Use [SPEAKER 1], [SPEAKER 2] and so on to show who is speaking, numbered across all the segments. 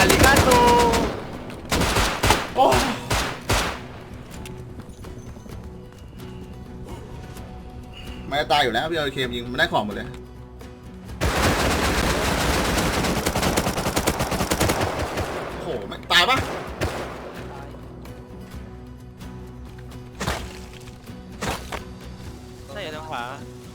[SPEAKER 1] ริกาโต
[SPEAKER 2] โอ้ไม่ตายอยู่แล้วพี่เอาเคมยิงมันได้ของหมดเลยโอ้โหไม่ตายปะ
[SPEAKER 1] ใช่อยู่ทางขวา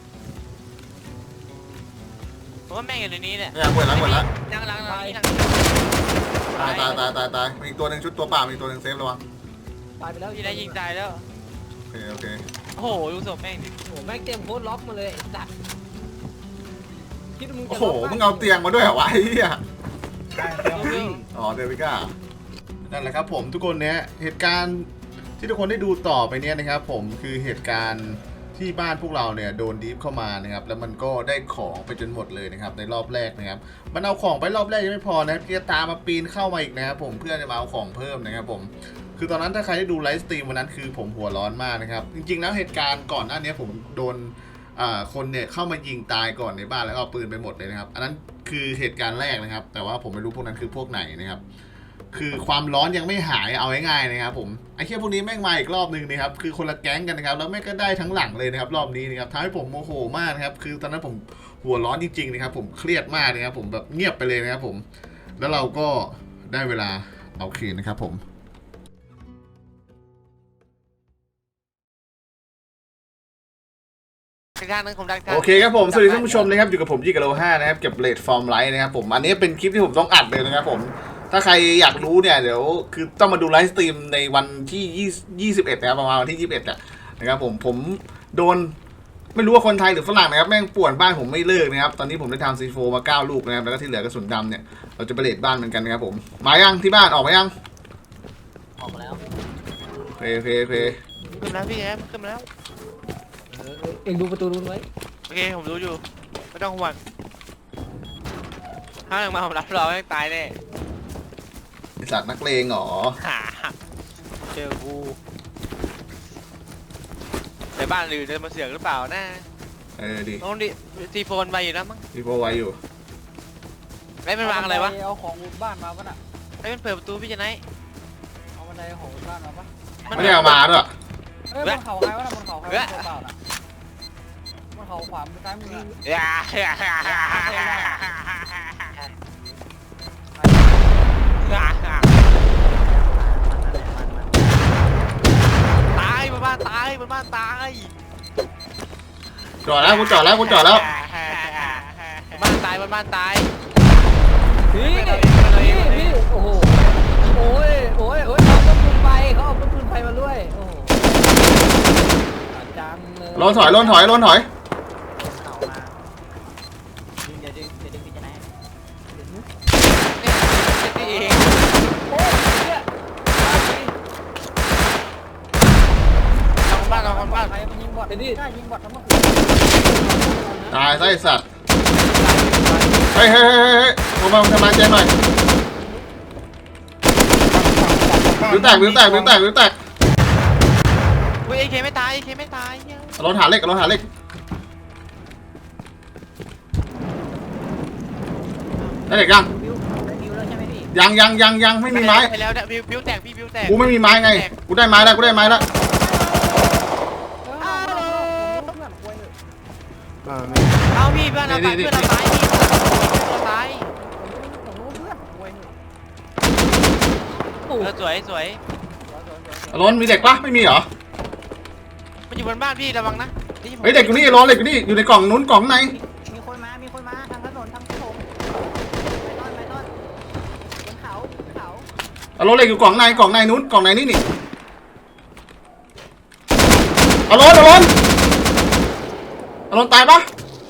[SPEAKER 1] ผมว่าแม่งอยู่ในนี้เนี่ย
[SPEAKER 2] เนี่ยหมดแล้วหมดแล้ว
[SPEAKER 1] นั่งนี่นั่ง
[SPEAKER 2] ตายมีอีกตัวหนึ่งชุดตัวเปล่ามีอีกตัวหนึ่งเซฟระวัง
[SPEAKER 3] ตายไปแล้ว
[SPEAKER 1] ที่ได้ยิงตายแล้ว
[SPEAKER 2] โอเค
[SPEAKER 1] โอ้โหดูศพแม่งดิ
[SPEAKER 3] โอ้โหแม่งเต็มโคตรล็อกมาเลยไอ้สัตว์คิดว่ามึง
[SPEAKER 2] โอ้
[SPEAKER 3] จะ
[SPEAKER 2] โห
[SPEAKER 3] ล็อก
[SPEAKER 2] มึงเอาเตียงมาด้วยเหรอวะไอ้เหี้ย
[SPEAKER 1] วิว
[SPEAKER 2] อ๋อเดวิก้านั่นแหละครับผมทุกคนเนี้ยเหตุการณ์ที่ทุกคนได้ดูต่อไปเนี้ยนะครับผมคือเหตุการณ์ที่บ้านพวกเราเนี่ยโดนดีฟเข้ามานะครับแล้วมันก็ได้ของไปจนหมดเลยนะครับในรอบแรกนะครับมันเอาของไปรอบแรกยังไม่พอนะพี่ตามมาปีนเข้ามาอีกนะครับผมเพื่อจะมาเอาของเพิ่มนะครับผมคือตอนนั้นถ้าใครได้ดูไลฟ์สตรีมวันนั้นคือผมหัวร้อนมากนะครับจริงๆแล้วเหตุการณ์ก่อนหน้านี้ผมโดนคนเนี่ยเข้ามายิงตายก่อนในบ้านแล้วก็เอาปืนไปหมดเลยนะครับอันนั้นคือเหตุการณ์แรกนะครับแต่ว่าผมไม่รู้พวกนั้นคือพวกไหนนะครับคือความร้อนยังไม่หายเอาง่ายๆนะครับผมไอ้แค่พวกนี้แม่งมาอีกรอบนึงนะครับคือคนละแก๊งกันนะครับแล้วแม่งก็ได้ทั้งหลังเลยนะครับรอบนี้นะครับทำให้ผมโมโหมากนะครับคือตอนนั้นผมหัวร้อนจริงๆนะครับผมเครียดมากนะครับผมแบบเงียบไปเลยนะครับผมแล้วเราก็ได้เวลาเอาคืนนะครับผมโอเคครับผมสวัสดีท่านผู้ชมนะครับอยู่กับผมยี่กับโล5นะครับเก็บเลดฟอร์มไลท์นะครับผมอันนี้เป็นคลิปที่ผมต้องอัดเลยนะครับผมถ้าใครอยากรู้เนี่ยเดี๋ยวคือต้องมาดูไลฟ์สตรีมในวันที่21นะครับประมาณวันที่21นะครับผมโดนไม่รู้ว่าคนไทยหรือฝรั่งนะครับแม่งป่วนบ้านผมไม่เลิกนะครับตอนนี้ผมได้ทำซีโฟมา9 ลูกนะครับแล้วก็ที่เหลือกระสุนดำเนี่ยเราจะไปเลดบ้านเหมือนกันนะครับผมมายังที่บ้านออกมายัง
[SPEAKER 3] ออกมาแล้ว
[SPEAKER 2] โอเค
[SPEAKER 1] ขึ้นแล้วพี่แอมขึ้นมาแล้ว
[SPEAKER 3] เอ็งดูประตูนู้นไว้
[SPEAKER 1] โอเคผมรู้อยู่ไม่ต้องห่วงถ้าอย่างมาผมรับรองไม่ตายแน่
[SPEAKER 2] ไอ้สัตว์นักเลงเหรอ
[SPEAKER 1] เจอกูในบ้านหรือจะมาเสือกหรือเปล่านะ
[SPEAKER 2] ดิ
[SPEAKER 1] ต้องดิซีโฟนไปอยู่แล้วมั้ง
[SPEAKER 2] ซีโฟไว้อยู่
[SPEAKER 1] ไม่เป็นวางอะไรวะ
[SPEAKER 3] เอาของอุดบ้านมาปะน่ะ
[SPEAKER 1] ไม่เป็นเปิดประตูพี่จะไหน
[SPEAKER 3] เอาบันไดของอุดบ้านมาปะ
[SPEAKER 2] ไม่ได้เอามาด้วย
[SPEAKER 3] เอ้ยบนเขาใครวะน่ะบนเขาใครวะตัวเปล่าน่ะบนเขาขวามือซ้ายมือ
[SPEAKER 1] ตายบนบ้านตายบนบ้านตาย
[SPEAKER 2] จอดแล้วกูจอดแล้ว
[SPEAKER 1] บนบ้านตาย
[SPEAKER 3] พี่โอ้โหโอ้ยเขาเอาปืนไฟมาด้วยโอ้โหจังเลย
[SPEAKER 2] ลนถอย
[SPEAKER 3] เขามาดึงอย่าดึงพี่จะไหนโอ้ยเนี่ย
[SPEAKER 1] บ้าน
[SPEAKER 3] ใครมันยิงบอทกล้ายิงบอททั้งหมด
[SPEAKER 2] ตายไส้สัตว์เฮ้ยผมมาทำไมเจนหน่อยวิวแตก
[SPEAKER 1] เฮ้ยเอเคไม่ตาย
[SPEAKER 2] รถหาเหล็กได้เหล็กยังยังไม่มีไม้
[SPEAKER 1] ไปแล้วเนี่ยบิวแตกพี่บิวแตก
[SPEAKER 2] กูไม่มีไม้ไงกูได้ไม้แล้ว
[SPEAKER 1] เอาพี่เพื่อนเราตายสวย
[SPEAKER 2] รถมีเด็กปะไม่มีเหรอ
[SPEAKER 1] มันอยู่บนบ้านพี่ระวังนะ
[SPEAKER 2] เฮ้ยเด็กอยู่นี่รถเด็กอยู่นี่อยู่ในกล่องนู้นกล่องไหน
[SPEAKER 3] มีคนมาทางถนนทางถนนไปต้นบนเขา
[SPEAKER 2] รถเด็กอยู่กล่องในนู้นกล่องไหนนี่เอารถตายปะ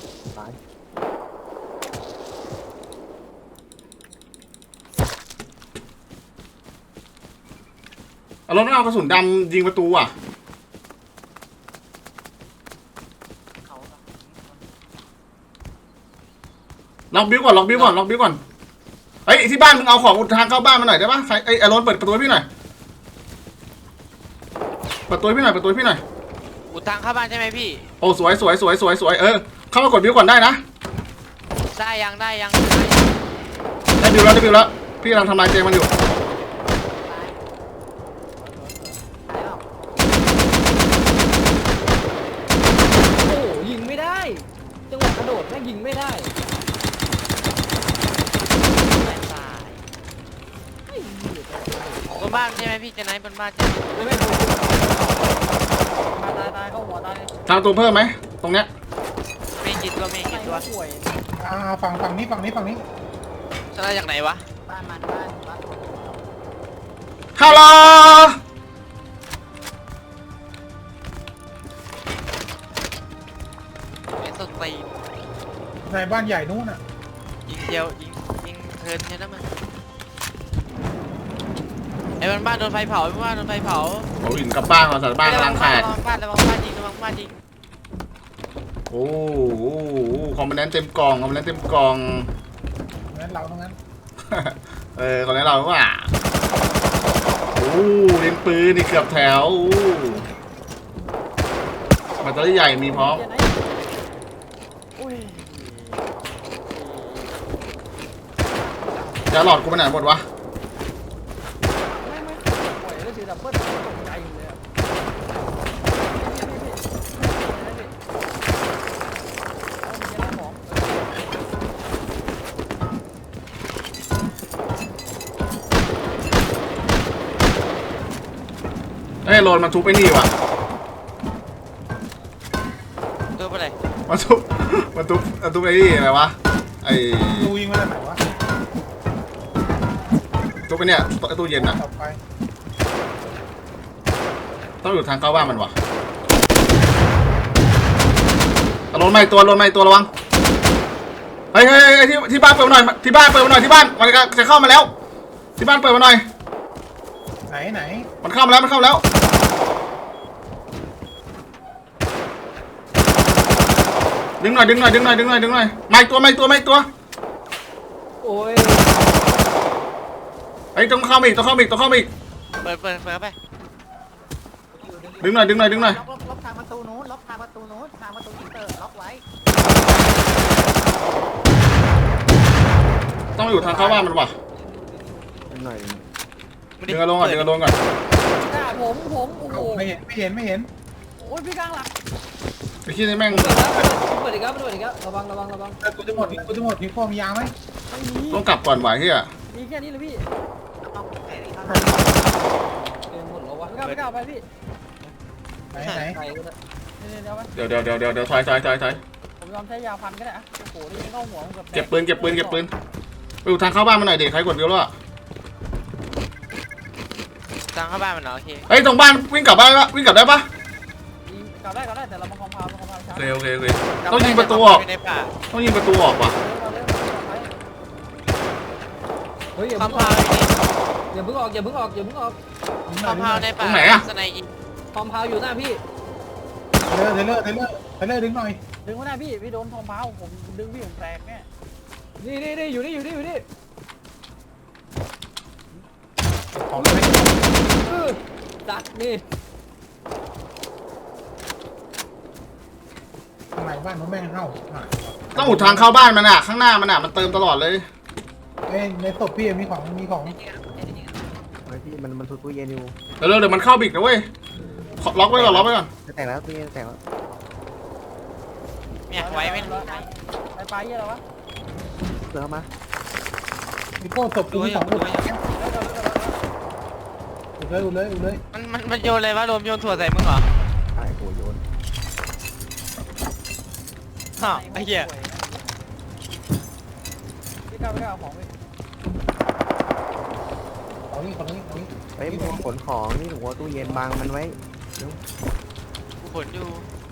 [SPEAKER 2] รถเอากระสุนดำยิงประตูอ่ะล็อกบิ้วก่อนเฮ้ยที่บ้านมึงเอาของทางเข้าบ้านมาหน่อยได้ปะไอ้รถเปิดประตูให้พี่หน่อยเปิดตัวให้พี่หน่อย
[SPEAKER 1] อุดทางเข้าบ้านใช่ไหมพี่
[SPEAKER 2] โอ้สวยเข้ามากดบิ้วก่อนได้นะ
[SPEAKER 1] ได้ยัง
[SPEAKER 2] ได้บิ้วแล้วพี่กำลังทำลายเจมันอยู่
[SPEAKER 3] โอ้ยิงไม่ได้จังหวะกระโดดแม่งยิงไม่ได้ไอ้เหี้ย
[SPEAKER 1] บนบ้านใช่ไหมพี่เจนไนท์บนบ้านใช่ไหม
[SPEAKER 3] ไม่ถูกตายเข้าหัวตาย
[SPEAKER 2] ทางตัวเพิ่มไหมตรงเนี้ย
[SPEAKER 1] ไม่กี่ตัวไม่กี่ตัว
[SPEAKER 3] ป่วย
[SPEAKER 4] ฝั่งนี้
[SPEAKER 1] ชนะจากไหนวะ
[SPEAKER 3] บ้าน
[SPEAKER 2] ฮัลโหล
[SPEAKER 1] ไอ้สตีน
[SPEAKER 4] ในบ้านใหญ่นู้นอ่ะ
[SPEAKER 1] ยิงเดียวยิงเทิร์นใช่ไหมมันไอ้บนบ้านโดนไฟเผาไอ้บนบ้านโดนไฟเผา
[SPEAKER 2] โอ้หินกลับบ้านก่อนสัตว์บ้านกำลังขาด
[SPEAKER 1] ระวังบ้านยิงระวังบ้านยิง
[SPEAKER 2] โอ้โหคอมโพเนนต์เต็มกล่องคอมโพเนนต์เต็มกล่อง
[SPEAKER 4] งั้นเราตรงนั้น
[SPEAKER 2] คอมโพเนนต์เราว่าโอ้เล่นปืนนี่เกือบแถวแบตเตอรี่ใหญ่มีพร้อม
[SPEAKER 3] อุ้ย
[SPEAKER 2] ยาหลอดกูไปไหนหมดวะ
[SPEAKER 3] ไม่ป่วยแล้วถือดับเบิ้ลตกใจเลยอ่ะ
[SPEAKER 2] เอ้ยโรนมาทุบไอ้นี่ว่ะ
[SPEAKER 1] ตัวไปไหน
[SPEAKER 2] มาทุบไอ้นี่อะไรวะไอ้
[SPEAKER 4] ดูยิงมาจากไหนวะ
[SPEAKER 2] ทุบไอ้เนี่ยไอ้ตู้เย็นน่ะ
[SPEAKER 4] ต่อไป
[SPEAKER 2] ต้องอยู่ทางเข้าบ้านมันว่ะโรนไม่ตัวระวังเฮ้ยที่บ้านเปิดมาหน่อยที่บ้านมันจะเข้ามาแล้วที่บ้านเปิดมาหน่อย
[SPEAKER 4] ไหน
[SPEAKER 2] มันเข้ามาแล้วดึงหน่อยมาอีกตัว
[SPEAKER 3] โอ้ย
[SPEAKER 2] ไอ้ต้องเข้ามาอีก
[SPEAKER 1] เปิดเข้าไป
[SPEAKER 2] ดึงหน่อย
[SPEAKER 5] ล็อกทางประตูนู้นทางประตูอินเตอร์ล็อกไว้
[SPEAKER 2] ต้องอยู่ทางเข้าบ้านมันว่ะ
[SPEAKER 1] ไม่
[SPEAKER 2] ดึงกระโดงก่อน
[SPEAKER 3] ด่าผมโอ้โห
[SPEAKER 4] ไม่เห็น
[SPEAKER 3] โอ้ยพี่กลางหลัก
[SPEAKER 2] ไอ้ขี้นี่แม่ง
[SPEAKER 3] เปิดอีกแล้วระวัง
[SPEAKER 4] กูจะหมดมีพ่อมียาไหม
[SPEAKER 3] ไม่มี
[SPEAKER 2] ต้องกลับก่อนไหวเฮีย
[SPEAKER 3] มีแค่นี้เลยพี่
[SPEAKER 5] เอาแขนข้าง
[SPEAKER 3] เดินหมดแล้ววะไม่กล้าไปพี่
[SPEAKER 4] ไหน
[SPEAKER 3] ไปก็ได้เดี๋ยวไป
[SPEAKER 2] เดี๋ยวถอย
[SPEAKER 3] ผมยอมใช้ยาพันก็ได้อะโอ้โหนี่เข้าหัวผมกับ
[SPEAKER 2] เก็บปืนไปอยู่ทางเข้าบ้านมันหน่อยเด็กใครกดเดียวแล้วอะ
[SPEAKER 1] ทางเข้าบ้านมันเหรอโอเค
[SPEAKER 2] เฮ้ยตรงบ้านวิ่งกลับได้ปะ
[SPEAKER 3] กลับได้แต่เรามาคอมพาวช้า
[SPEAKER 2] โอเคต้องยิงประตูออก
[SPEAKER 1] อยู่ในป่า
[SPEAKER 2] ว่ะ
[SPEAKER 3] เฮ้ยอย่า
[SPEAKER 1] คอม
[SPEAKER 3] เพิ่ง
[SPEAKER 1] พาวอยู่นี่
[SPEAKER 3] อย่าเพิ่งออก
[SPEAKER 1] คอมพาวในป่าสไนยิง
[SPEAKER 3] คอมพาวอยู่หน้าพี่
[SPEAKER 4] เทเลอร์ดึงหน่อย
[SPEAKER 3] ดึงมาหน้าพี่โดนคอมพาวผมดึงพี่ผมแตกแน่นี่อยู่นี่
[SPEAKER 4] ของไม่
[SPEAKER 3] ดักนี่
[SPEAKER 4] ข้างในบ้านนู้นแม่งเข้า
[SPEAKER 2] ต้องอุดทางเข้าบ้านมันอะข้างหน้ามันอะมันเติมตลอดเลย
[SPEAKER 4] ในศพพี่มีของ
[SPEAKER 6] พี่มันทุบตู้เย็นอยู่
[SPEAKER 2] เดี๋ยวมันเข้าบิกนะเว้ยล็อกไว้ก่อน
[SPEAKER 6] จะแตกแล้วตู้เย็นแตกแล้ว
[SPEAKER 1] เนี่ยไว้ไม่
[SPEAKER 3] ไปปลาเยี่ยอะไรวะ
[SPEAKER 6] เสือมา
[SPEAKER 4] มีโก้ศพกูมี2อุดเลย
[SPEAKER 1] มันโยนอะไรวะโดมโยนถั่วใส่มึงเหรอ
[SPEAKER 6] ตายโหโยน
[SPEAKER 1] ฮะไอ้เหี้ย
[SPEAKER 3] พี่ก้าวเอาของไป
[SPEAKER 4] ของนี่
[SPEAKER 6] เฮ้ยมึงขนของนี่หัวตู้เย็นบังมันไว้
[SPEAKER 1] กูขนอยู่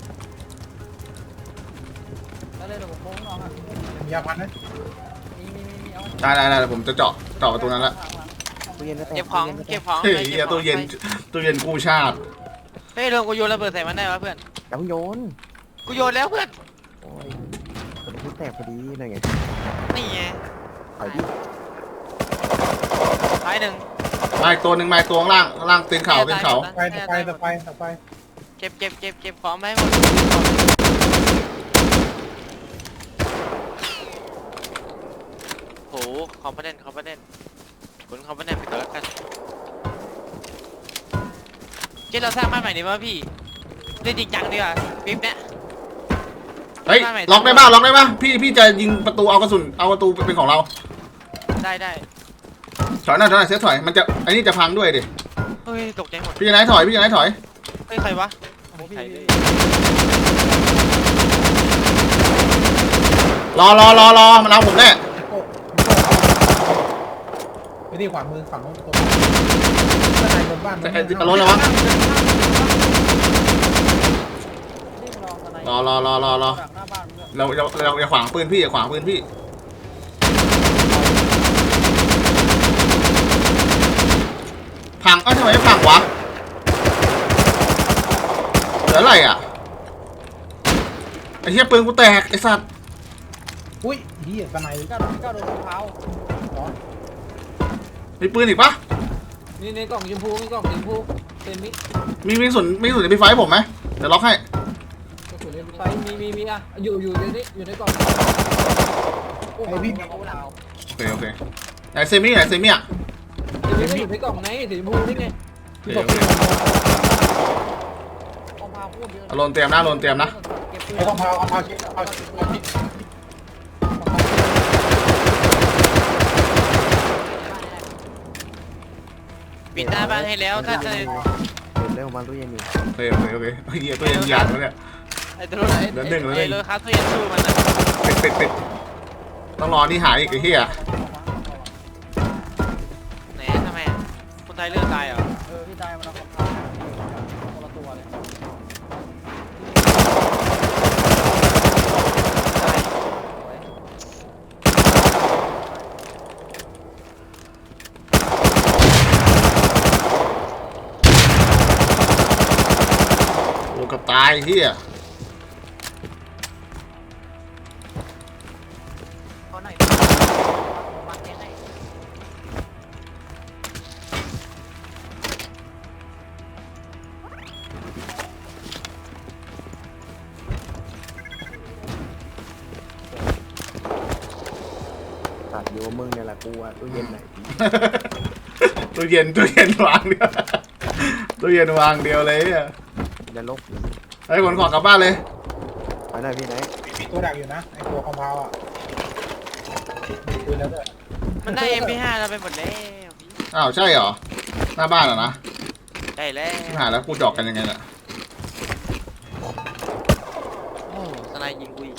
[SPEAKER 3] แล้วเลยเดี๋ยวผมโค้งน้องอ่ะ
[SPEAKER 4] มียาพันนะ
[SPEAKER 3] มีเอา
[SPEAKER 2] ได้ผมจะเจาะประตูนั้นละ
[SPEAKER 6] ตู้เย็นก็แตก
[SPEAKER 1] เก็บของ
[SPEAKER 2] เฮ้ยเฮียตู้เย็นกู้ชาติ
[SPEAKER 1] เฮ้ยโดมกูโยนระเบิดใส่มันได้ปะเพื่อน
[SPEAKER 6] แล้วโยน
[SPEAKER 1] กูโยนแล้วเพื่อน
[SPEAKER 6] โอ้ยกระทุ้แตกพอดีเลยไง
[SPEAKER 1] นี่ไง
[SPEAKER 6] ถอยดิ
[SPEAKER 1] ท้ายหนึ่ง
[SPEAKER 2] มาอีกตัวข้างล่างตีนเขา
[SPEAKER 4] ไป
[SPEAKER 1] เก็บของไปหมดโหคอมโพเนนต์ขนของไปไหนไปก่อนแล้วกันเจ๊เราสร้างบ้านใหม่ดีป่ะพี่เล่นจริงจังดีกว่าปิ๊บเนี่ย
[SPEAKER 2] เฮ้ยล็อกได้ป่ะล็อกได้ป่ะพี่จะยิงประตูเอากระสุนเอาประตูเป็นของเรา
[SPEAKER 1] ได้
[SPEAKER 2] ถอยหน่อยเซฟถอยมันจะไอ้นี่จะพังด้วยดิ
[SPEAKER 1] เฮ้ยตกใจหมด
[SPEAKER 2] พี่จะไหนถอยพี่จะไหนถอย
[SPEAKER 1] เฮ้ยใครวะใครเลย
[SPEAKER 2] รอมันเอาผมแน่
[SPEAKER 4] ไปที่ขวามือฝั่งโน้นตัวข้างในบนบ้าน
[SPEAKER 2] จะล้นแล้ววะ
[SPEAKER 3] นี่ลองอะไร
[SPEAKER 2] รอ
[SPEAKER 3] จากหน้าบ้านด้วย
[SPEAKER 2] เราอย่าขวางปืนพี่อย่าขวางปืนพี่พังทำไมไม่พังวะเหลืออะไรอ่ะไอ้เหี้ยปืนกูแตกไอ้สัตว์
[SPEAKER 4] อุ้ยเฮียสไนด์
[SPEAKER 3] ก้าวโดนรองเท้า
[SPEAKER 2] มีปืนอีกปะ
[SPEAKER 3] นี่ในกล่องชมพูมีกล่องสีชมพูเป็นมิ
[SPEAKER 2] มีส่วนในไฟผมไหมเดี๋ยวล็อกให้
[SPEAKER 3] กระสุนไฟมีอ่ะอยู่ในนี้อยู่ในกล่องโอ้โหเอาเรา
[SPEAKER 2] โอเคไหนเซมี่อ่ะ
[SPEAKER 3] สีชมพูอยู่ในกล่องไหนสีชมพูนี่ไง
[SPEAKER 2] โอเค
[SPEAKER 3] เอาพาพูดเยอะ
[SPEAKER 2] อารมณ์เตรียมนะ
[SPEAKER 3] เก็บปืน
[SPEAKER 4] ไม่ต้องเอาชิดเอาชิด
[SPEAKER 1] ปิดหน้าบ้านให้แล้วถ้าจะ
[SPEAKER 6] เห็นเรื่องมันตู้เย็นอยู่
[SPEAKER 2] โอเคเฮียตัวเย็นยานแล้วเนี่ย
[SPEAKER 1] ไอ้ตัวรถไอ้รถคัสตัวยันสู้มันนะ
[SPEAKER 2] ปิดต้องรอนี่หายอีกไอ้เหี้ย
[SPEAKER 1] ไหนทำไมคนไทยเลือกตายเหรอ
[SPEAKER 3] พี่ตายมันเอาของเขาคนละตัวเลย
[SPEAKER 2] โอ้กับตายเหี้ย
[SPEAKER 5] ขอหน่อยมาเจ๊ให้
[SPEAKER 6] ตัดอยู่มึงเนี่ยแหละกูอะตู้เย็นไหน
[SPEAKER 2] ตู้เย็นวางเดียวตู้เย็นวางเดียวเลยอ่ะ
[SPEAKER 6] จะลบ
[SPEAKER 2] ไอ้ขนของกลับบ้านเลย
[SPEAKER 6] ไปหน่อยพี่ไหน
[SPEAKER 4] มีตัวดักอยู่นะไอตัวคอมเพลอ่ะมีปืนแล้วด้วย
[SPEAKER 1] มันได้ MP5 เราไปหมดแล้ว
[SPEAKER 2] อ้าวใช่เหรอหน้าบ้านเหรอนะ
[SPEAKER 1] ได้แล้ว
[SPEAKER 2] หาแล้วกูจอกกันยังไงล่ะ
[SPEAKER 1] โอ้สไนยิงกูอีก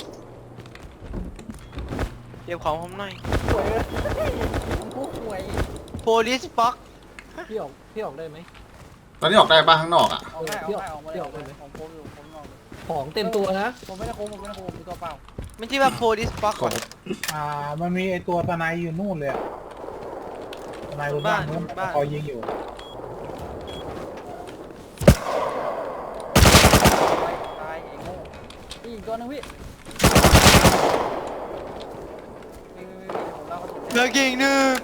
[SPEAKER 1] เก็บของผมหน่อย
[SPEAKER 3] หวยเลยผู้หวย
[SPEAKER 1] Police Box
[SPEAKER 3] พี่ออกได้ไหม
[SPEAKER 2] ตอนนี้ออกได้บ้านข้างนอกอ่ะ
[SPEAKER 3] ออกได้พี่ออกได้ไหมของเต็มตัวนะผมไม่ได้โค้งมีตัวเปล่า
[SPEAKER 1] มันชื่อว่า Police Box
[SPEAKER 2] ของ
[SPEAKER 4] มันมีไอตัวสไนด์อยู่นู่นเลยอะสไนด์บนบ้านนู้นคอยยิงอยู่
[SPEAKER 3] ตายไอ้โง่อีกตัวนึงพี่ผมเล่าเขาถูก
[SPEAKER 1] เลิกยิงหนึ่ง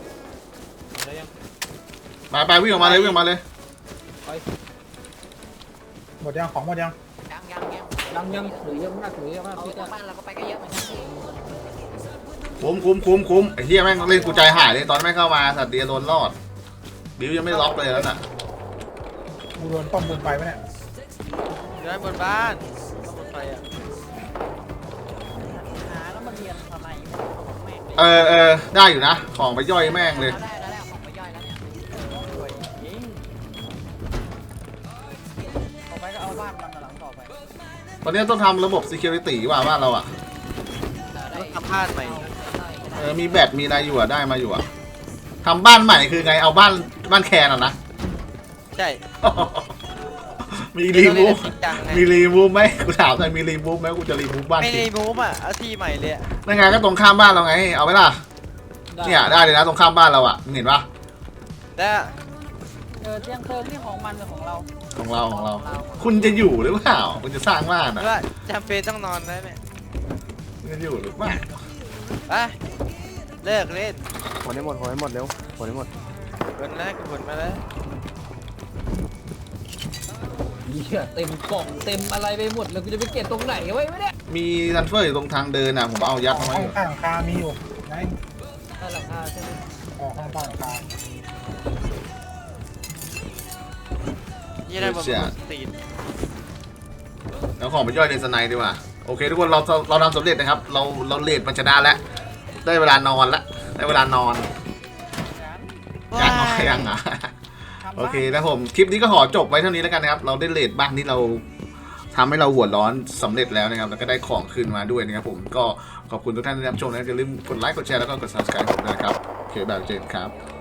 [SPEAKER 2] ไปวิ่งออกมาเลย
[SPEAKER 4] หมดยังของหมดยัง
[SPEAKER 3] ยังหรือเยอะมากหรือเยอะมาก
[SPEAKER 5] เอา
[SPEAKER 3] พี่
[SPEAKER 5] จากบ้านเราก็ไปก็เยอะเหมือนกัน
[SPEAKER 2] คุ้มไอ้เหี้ยแม่งเล่นกูใจหายเลยตอนแม่งเข้ามาสัตว์เดียโดนรอดบิวยังไม่ล็อกเลยแล้วน่ะ
[SPEAKER 4] กูโดนป้อมปืนไฟไหมเนี่ย
[SPEAKER 1] อยู่ด้านบนบ้านบนไฟอ่ะ
[SPEAKER 5] หาแล้วมาเรียนทำไมแม่งเลย
[SPEAKER 2] ได้อยู่นะของไปย่อยแม่งเลย
[SPEAKER 5] แล้วของไปย่อยแล้วเนี่ย
[SPEAKER 3] รวยจริงต่อไปก็เอาบ้านมันหลังต่อไป
[SPEAKER 2] ตอนนี้ต้องทำระบบ security ว่าบ้านเราอ่ะ
[SPEAKER 1] แล้วทำบ้านใหม่
[SPEAKER 2] มีแบตมีอะไรอยู่อ่ะได้มาอยู่อ่ะทำบ้านใหม่คือไงเอาบ้านแคนอ่ะนะ
[SPEAKER 1] ใช่
[SPEAKER 2] มีรีมูฟ
[SPEAKER 1] จริงจังไง
[SPEAKER 2] มีรีมูฟไหมกูถามหน่อยมีรีมูฟไหมกูจะรีมูฟบ้าน
[SPEAKER 1] ไม่
[SPEAKER 2] จริ
[SPEAKER 1] ได้
[SPEAKER 2] ง
[SPEAKER 1] มูฟอ่ะเอาที่ใหม่เลยอ่ะ
[SPEAKER 2] นั่นไงก็ตรงข้ามบ้านเราไงเอาไหมล่ะเนี่ยได้เลยนะตรงข้ามบ้านเราอ่ะมึงเห็นปะ
[SPEAKER 1] แล้ว
[SPEAKER 3] เตียงเติมนี่ของมันหรือของเรา
[SPEAKER 2] ของเราคุณจะอยู่หรือเปล่าคุณจะสร้างบ้านอ่ะ
[SPEAKER 1] ว่าจำเป็นต้องนอนได้ไหม
[SPEAKER 2] คุณจะอยู่หรือเปล่า
[SPEAKER 1] ไปเลิกเล่น
[SPEAKER 6] ผลให้หมดเร็วผลให้หมด
[SPEAKER 1] ผลแล้วผลมาแล้ว
[SPEAKER 3] เหี้ยเต็มกล่องเต็มอะไรไปหมดแล้วกูจะไปเก็บตรงไหนไว้ไม่ได้
[SPEAKER 2] มีทันเฟอร์อยู่ตรงทางเดินอ่ะผมเอายัดเอาไว้อยู่
[SPEAKER 4] ข้างคามีอยู่ไหน
[SPEAKER 3] หลังคาใช่ไหม
[SPEAKER 4] ข้างใต้หลังคา
[SPEAKER 1] ยี่ได้บนตีน
[SPEAKER 2] แล้วของไปย่อยในสไนด์ดีกว่าโอเคทุกคนเราทำสำเร็จนะครับเราเลดมันชนะแล้วได้เวลานอนแล้วได้เวลานอนยังอ่ะโอเคนะผมคลิปนี้ก็ขอจบไว้เท่านี้แล้วกันนะครับเราได้เลดบ้านที่เราทำให้เราหัวร้อนสำเร็จแล้วนะครับแล้วก็ได้ของคืนมาด้วยนะครับผมก็ขอบคุณทุกท่านที่รับชมนะอย่าลืมกดไลค์กดแชร์แล้วก็กด subscribe ผมด้วยนะครับโอเคแบบเจนครับ